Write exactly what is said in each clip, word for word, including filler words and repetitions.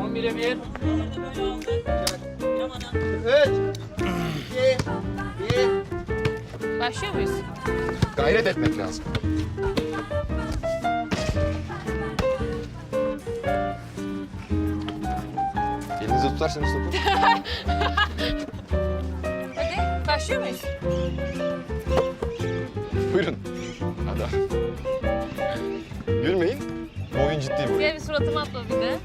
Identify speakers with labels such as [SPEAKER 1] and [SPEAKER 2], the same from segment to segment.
[SPEAKER 1] on bire bir.
[SPEAKER 2] Üç, iki, bir.
[SPEAKER 3] Başlıyor muyuz?
[SPEAKER 4] Gayret etmek lazım. Elinizi tutarsanız topu.
[SPEAKER 3] Hadi başlıyor muyuz?
[SPEAKER 4] Buyurun. Hadi. Gülmeyin. Bu oyun ciddi bir oyun.
[SPEAKER 3] Gel bir suratıma atma bir de.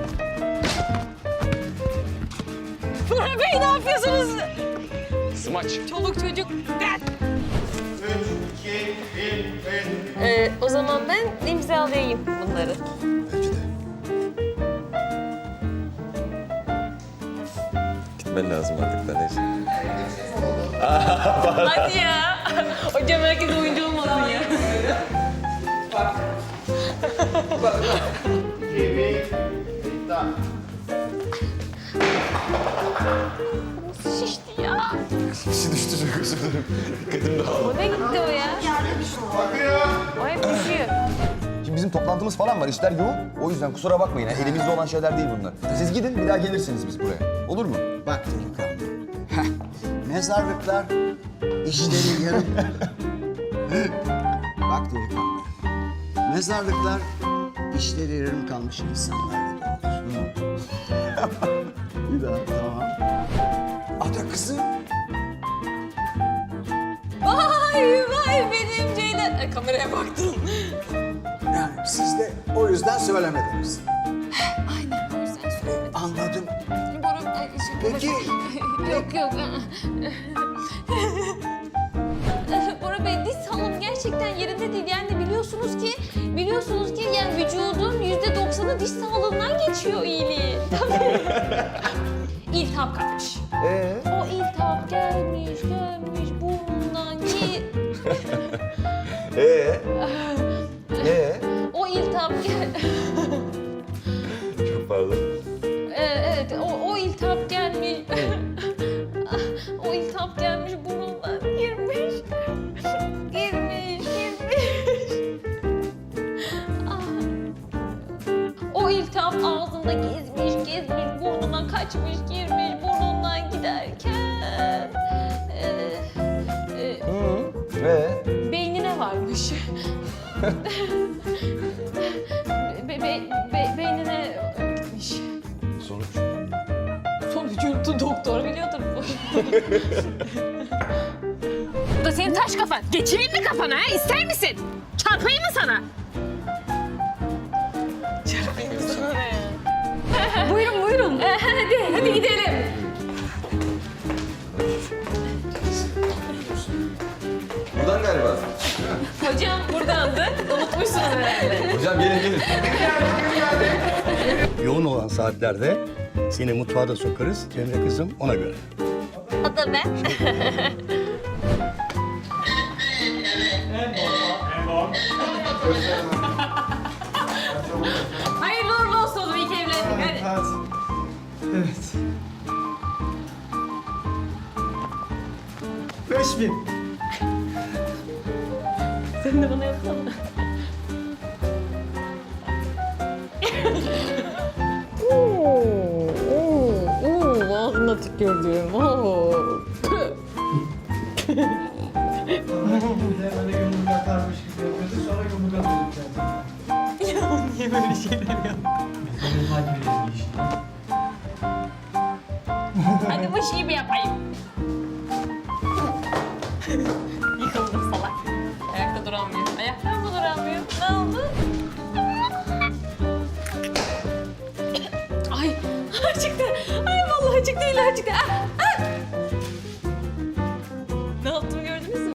[SPEAKER 3] Burhan Bey ne yapıyorsunuz?
[SPEAKER 4] Smaç.
[SPEAKER 3] Çoluk çocuk. Gel.
[SPEAKER 2] Üç, iki, bir, bir.
[SPEAKER 3] Ee, o zaman ben imzalayayım bunları.
[SPEAKER 4] Bence de. Gitmen lazım artık da neyse.
[SPEAKER 3] Hadi ya. Hocam herkes oyuncu olmasın ya.
[SPEAKER 2] İki, bir. Tamam.
[SPEAKER 3] Şişti ya.
[SPEAKER 4] Kişi düştü çok özür dilerim. Dikkatim dağıldı.
[SPEAKER 3] O ne gitti o ya?
[SPEAKER 2] Bakıyor.
[SPEAKER 3] O hep düşüyor.
[SPEAKER 5] Şimdi bizim toplantımız falan var, işler yoğun. O yüzden kusura bakmayın, yani elimizde olan şeyler değil bunlar. Siz gidin, bir daha gelirsiniz biz buraya. Olur mu?
[SPEAKER 6] Bak delikanlı. Heh, mezarlıklar işleri yarım. Bak delikanlı. Mezarlıklar işleri yarım kalmış insanlarla doludur. Bir daha tamam. Ada kızım.
[SPEAKER 3] Vay vay benim Ceylan. Ay, kameraya baktım.
[SPEAKER 6] Yani siz de o yüzden söylemediniz.
[SPEAKER 3] Aynen o yüzden söylemedim.
[SPEAKER 6] Anladım.
[SPEAKER 3] Boru, ay, şey,
[SPEAKER 6] Peki.
[SPEAKER 3] Yok yok. Bora Bey diz sağlığım gerçekten yerinde değil. Yani biliyorsunuz ki, biliyorsunuz ki yani vücudun yüzde doksanı diş sağlığından geçiyor iyiliği. Tabii. İltihap kapmış.
[SPEAKER 5] Ee?
[SPEAKER 3] O iltihap gelmiş, gelmiş burnundan gir.
[SPEAKER 5] Ee? Ee?
[SPEAKER 3] O iltihap gel...
[SPEAKER 4] Çok pardon.
[SPEAKER 3] Ee, evet, o, o iltihap gelmiş. O iltihap gelmiş burnundan girmiş. Girmiş, girmiş. Ah. O iltihap ağzında gezmiş, gezmiş, burnuna kaçmış, girmiş, burnundan giderken... E, e,
[SPEAKER 5] Ee?
[SPEAKER 3] beynine varmış. be, be, be, beynine gitmiş.
[SPEAKER 4] Sonuç.
[SPEAKER 3] Sonucu doktor biliyordur bu. Bu da senin taş kafan. Geçireyim mi kafana ha? İster misin? Çarpayım mı sana? Çarpayım mı sana ne ya? Buyurun buyurun. hadi hadi gidelim.
[SPEAKER 4] Buradan galiba.
[SPEAKER 3] Hocam buradandı. Unutmuşsunuz herhalde.
[SPEAKER 4] Hocam gelin gelin.
[SPEAKER 7] Yoğun olan saatlerde seni mutfağa da sokarız Cemre kızım ona göre.
[SPEAKER 3] O da ben. Hayırlı uğurlu olsun oğlum. İyi ki evlendik. Hadi.
[SPEAKER 1] Evet. Beş bin.
[SPEAKER 3] Sen de bana yapsana. Oo, oo, oo, ağzına tükürdüm. Oo.
[SPEAKER 1] Bir de böyle yumruk atarmış gibi yapıyordu. Sonra yumruk atıyorduk zaten.
[SPEAKER 3] Ya niye böyle şeyler yaptın?
[SPEAKER 1] Benim takip edildiği işte.
[SPEAKER 3] Hadi bu şeyi bir yapayım. Yıkıldım salak. Ayakta duramıyor. Ayakta mı duramıyor? Ne oldu? Ay, ay çıktı. Ay vallahi çıktı, illa çıktı. Ah, ah.